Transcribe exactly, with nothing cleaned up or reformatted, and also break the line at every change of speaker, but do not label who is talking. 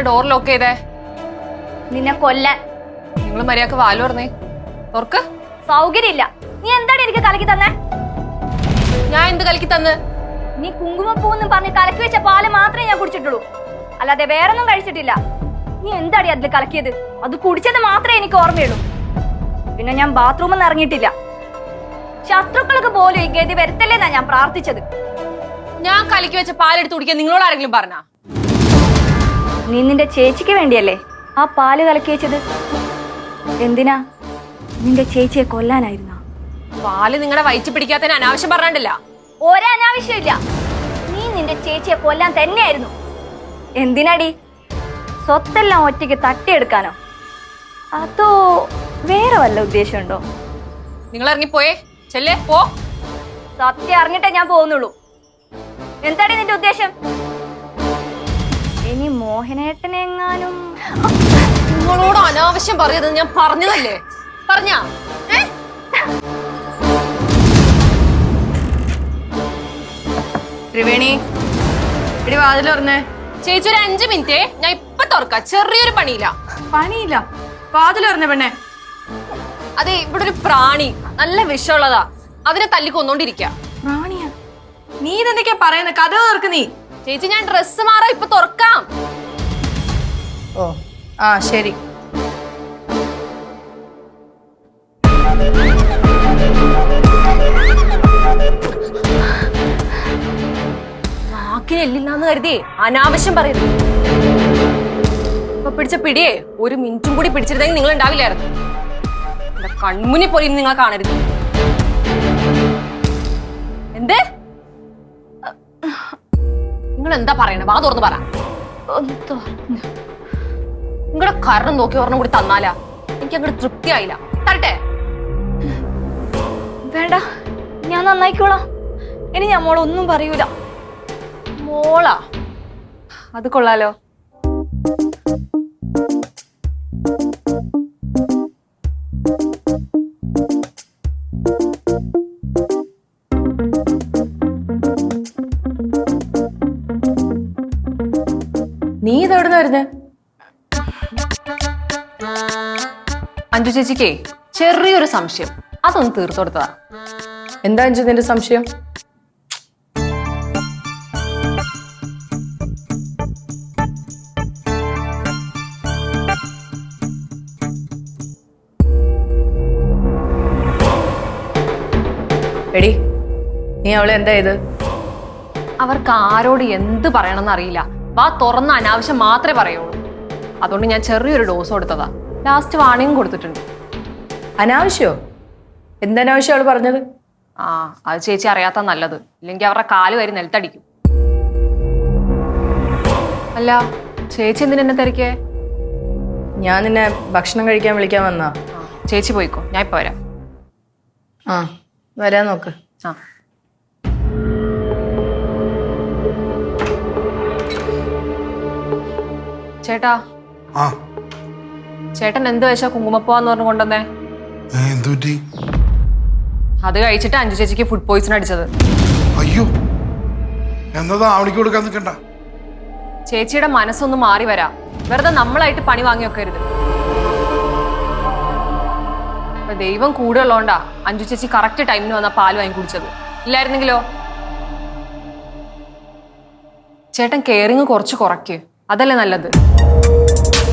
Door lock ചെയ്തേ?
നിന്നെ കൊല്ലാൻ.
നിങ്ങൾ മര്യാദക്ക് വാല് പറഞ്ഞേ. തുറക്ക്.
സൗകര്യമില്ല. നീ എന്താണ് എനിക്ക് കലക്കി തന്നെ?
ഞാൻ എന്ത് കലക്കി തന്ന്?
നീ കുങ്കുമപ്പൂന്നും പറഞ്ഞ് കലക്കി വെച്ച പാല് മാത്രമേ ഞാൻ കുടിച്ചിട്ടുള്ളൂ, അല്ലാതെ വേറൊന്നും കഴിച്ചിട്ടില്ല. നീ എന്താടി അതിൽ കലക്കിയത്? അത് കുടിച്ചത് മാത്രമേ എനിക്ക് ഓർമ്മയുള്ളൂ. പിന്നെ ഞാൻ ബാത്റൂമിൽ നിന്ന് ഇറങ്ങിയിട്ടില്ല. ശത്രുക്കൾക്ക് പോലും ഈ ഗതി വരുത്തല്ലേന്നാ ഞാൻ പ്രാർത്ഥിച്ചത്.
ഞാൻ കലക്കി വെച്ച പാലെടുത്ത് കുടിക്കാൻ നിങ്ങളോട് ആരെങ്കിലും പറഞ്ഞാ?
നീ നിന്റെ ചേച്ചിക്ക് വേണ്ടിയല്ലേ ആ പാല് കലക്കി വെച്ചത്? എന്തിനാ? നിന്റെ ചേച്ചിയെ കൊല്ലാനായിരുന്ന?
പാല് നിങ്ങളുടെ വയറ്റി പിടിക്കാത്തതിന് അനാവശ്യം പറഞ്ഞിട്ടില്ല.
ഒരനാവശ്യമില്ല. നീ നിന്റെ ചേച്ചിയെ കൊല്ലാൻ തന്നെയായിരുന്നു. എന്തിനാടി? സ്വത്തെല്ലാം ഒറ്റയ്ക്ക് തട്ടിയെടുക്കാനോ? അതോ വേറെ വല്ല ഉദ്ദേശമുണ്ടോ?
നിങ്ങൾ ഇറങ്ങിപ്പോയേ. ചെല്ലേ പോ.
സത്യം അറിഞ്ഞിട്ടേ ഞാൻ പോകുന്നുള്ളൂ. എന്താടി നിന്റെ ഉദ്ദേശം? ഇനി മോഹനേട്ടനെങ്ങാനും?
നിങ്ങളോട് അനാവശ്യം പറയത് ഞാൻ പറഞ്ഞതല്ലേ? പറഞ്ഞ
ത്രിവേണി, ഇടി വാതിൽ തുറന്നേ.
ചേച്ചി ഒരു അഞ്ചു മിനിറ്റേ, ഞാൻ ഇപ്പൊ തുറക്കാം. ചെറിയൊരു പണിയില്ല.
പണിയില്ല? വാതിൽ തുറന്നേ പെണ്ണെ.
അതെ, ഇവിടെ ഒരു പ്രാണി നല്ല വിഷമുള്ളതാ. അതിനെ തല്ലി കൊന്നോണ്ടിരിക്ക.
പ്രാണിയാ? നീ ഇതെന്തൊക്കെയാ പറയുന്നത്? കഥ തുറക്ക് നീ.
ചേച്ചി ഞാൻ ഡ്രസ്സ് മാറാ, ഇപ്പൊ തുറക്കാം.
ഓ ആ ശരി.
നാക്കിന് എല്ലില്ലാന്ന് കരുതി അനാവശ്യം പറയരുത്. ഇപ്പൊ പിടിച്ച പിടിയേ ഒരു മിനിറ്റും കൂടി പിടിച്ചിരുന്നെങ്കിൽ നിങ്ങൾ ഉണ്ടാവില്ലായിരുന്നു. എന്റെ കൺമുന്നിൽ പോലും ഇനി നിങ്ങൾ കാണരുത്. എന്ത്? നിങ്ങൾ എന്താ പറയണേ? വാ തുറന്ന് പറ. നിങ്ങളുടെ കാരണം നോക്കി ഒരെണ്ണം കൂടി തന്നാലാ എനിക്ക് അങ്ങോട്ട് തൃപ്തിയായില്ല. തരട്ടെ?
വേണ്ട, ഞാൻ നന്നായിക്കോളാം. ഇനി ഞാൻ മോളൊന്നും പറയൂല.
മോളാ? അത് കൊള്ളാലോ.
നീ ഇതെവിടുന്ന വരുന്നേ?
അഞ്ജു ചേച്ചിക്കേ ചെറിയൊരു സംശയം, അതൊന്ന് തീർത്തു കൊടുത്തതാ.
എന്താ അഞ്ജു നിന്റെ സംശയം? എടി, നീ അവളെ എന്താ ഇത്?
അവർക്ക് ആരോട് എന്ത് പറയണമെന്ന് അറിയില്ല. വാ തുറന്ന അനാവശ്യം മാത്രമേ പറയുള്ളൂ. അതുകൊണ്ട് ഞാൻ ചെറിയൊരു ഡോസ് കൊടുത്തതാ. ലാസ്റ്റ് വാണിംഗ് കൊടുത്തിട്ടുണ്ട്.
അനാവശ്യോ? എന്തനാവശ്യം അവള് പറഞ്ഞത്?
ആ, അത് ചേച്ചി അറിയാത്ത നല്ലത്. ഇല്ലെങ്കിൽ അവരുടെ കാല് വരി നിലത്തടിക്കും. അല്ല, ചേച്ചി എന്തിനാ എന്നെ തിരക്കേ?
ഞാൻ നിന്നെ ഭക്ഷണം കഴിക്കാൻ വിളിക്കാൻ വന്നാ.
ചേച്ചി പോയിക്കോ, ഞാൻ ഇപ്പൊ വരാം.
ആ, വരാൻ നോക്ക്.
ആ. ചേട്ടാ, ചേട്ടൻ എന്ത് വെച്ചാ കുങ്കുമപ്പൂവാന്ന് പറഞ്ഞു കൊണ്ടുവന്നേ? അത് കഴിച്ചിട്ട് അഞ്ജു ചേച്ചിക്ക് ഫുഡ് പോയിസൺ അടിച്ചത്.
അയ്യോ, എന്നതാ അവളിക്ക് കൊടുക്കാൻ നിൽക്കണ്ട.
ചേച്ചിയുടെ മനസ്സൊന്ന് മാറി വരാം. വെറുതെ നമ്മളായിട്ട് പണി വാങ്ങി വെക്കരുത്. അപ്പൊ ദൈവം കൂടെ ഉള്ളതുകൊണ്ടാ അഞ്ജു ചേച്ചി കറക്റ്റ് ടൈമിന് വന്ന പാല് വാങ്ങി കുടിച്ചത്. ഇല്ലായിരുന്നെങ്കിലോ? ചേട്ടൻ കെയറിങ് കുറച്ച് കുറയ്ക്ക്, അതല്ലേ നല്ലത്.